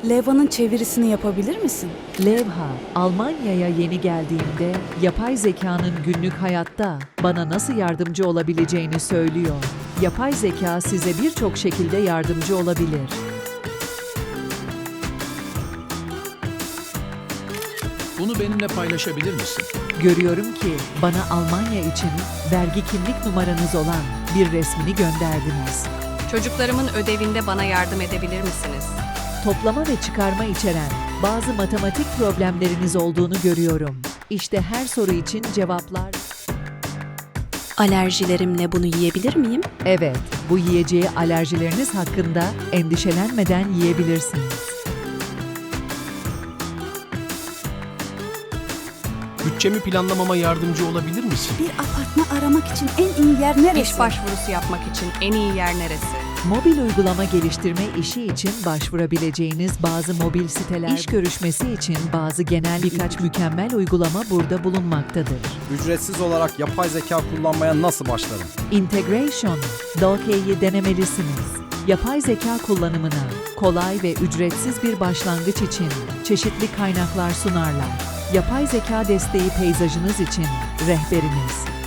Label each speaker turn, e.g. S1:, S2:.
S1: Levha'nın çevirisini yapabilir misin?
S2: Levha, Almanya'ya yeni geldiğimde yapay zekanın günlük hayatta bana nasıl yardımcı olabileceğini söylüyor. Yapay zeka size birçok şekilde yardımcı olabilir.
S3: Bunu benimle paylaşabilir misin?
S2: Görüyorum ki bana Almanya için vergi kimlik numaranız olan bir resmini gönderdiniz.
S4: Çocuklarımın ödevinde bana yardım edebilir misiniz?
S2: Toplama ve çıkarma içeren bazı matematik problemleriniz olduğunu görüyorum. İşte her soru için cevaplar.
S5: Alerjilerimle bunu yiyebilir miyim?
S2: Evet, bu yiyeceği alerjileriniz hakkında endişelenmeden yiyebilirsiniz.
S3: Bütçemi planlamama yardımcı olabilir misin?
S1: Bir apartman aramak için en iyi yer neresi?
S4: İş başvurusu yapmak için en iyi yer neresi?
S2: Mobil uygulama geliştirme işi için başvurabileceğiniz bazı mobil siteler, iş görüşmesi için bazı genel birkaç mükemmel uygulama burada bulunmaktadır.
S6: Ücretsiz olarak yapay zeka kullanmaya nasıl başlarım?
S2: Integration, Doke'yi denemelisiniz. Yapay zeka kullanımına kolay ve ücretsiz bir başlangıç için çeşitli kaynaklar sunarlar. Yapay zeka desteği peyzajınız için rehberiniz.